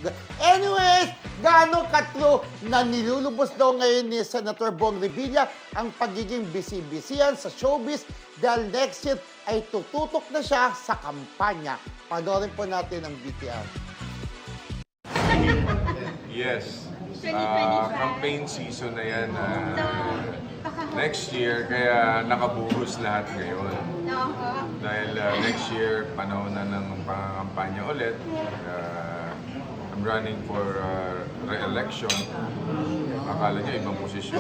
Anyways, gaano ka-true na nilulubos daw ngayon ni Senator Bong Revilla ang pagiging busy-busyan sa showbiz dahil next year ay tututok na siya sa kampanya. Panoorin po natin ang BTR. Yes. Campaign season na yan next year, kaya nakabuhos lahat ngayon. Dahil next year, panahon na ng pangkampanya ulit. I'm running for re-election. Akala niya ibang posisyon.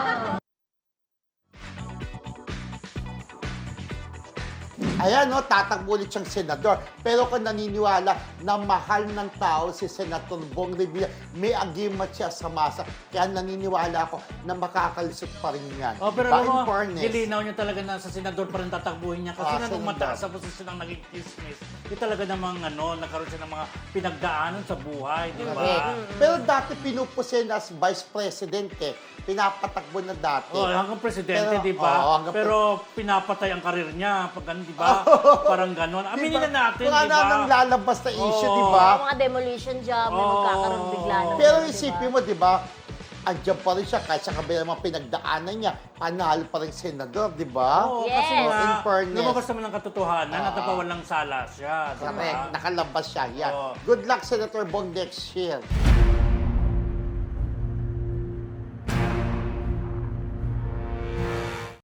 Ayan, no, tatakbo ulit siyang senador. Pero kung naniniwala na mahal ng tao si Senator Bong Revilla, may agimat siya sa masa. Kaya naniniwala ako na makakalisot pa rin yan. Oh, pero Ba, alam in mo, fairness, nilinaw niya talaga na sa senador pa rin tatakbuhin niya. Kasi na nung senador. mataas sa posisyon ng naging business, yung talaga namang nagkaroon siya ng mga pinagdaanan sa buhay, di ba? correct. Pero dati pinupusin as vice president pinapatakbo na dati. Oh, hanggang presidente, Pero, di ba? oo, hanggang Pero pinapatay ang karir niya, pag ganun, di ba? Parang gano'n. Aminin na natin, Kung di ba? nang lalabas na issue, Oo. di ba? Mga demolition job, may magkakaroon bigla na. Pero isipin mo, di ba? Andiyan pa rin siya kahit sa kabila ng mga pinagdaanan niya, panalo pa rin senador, di ba? Oo, Yes. kasi In nga, fairness. lumabas naman ng katotohanan at napawalang sala siya, di Correct. ba? Nakalabas siya. Yeah. Oo. Good luck, Senator Bong, next year.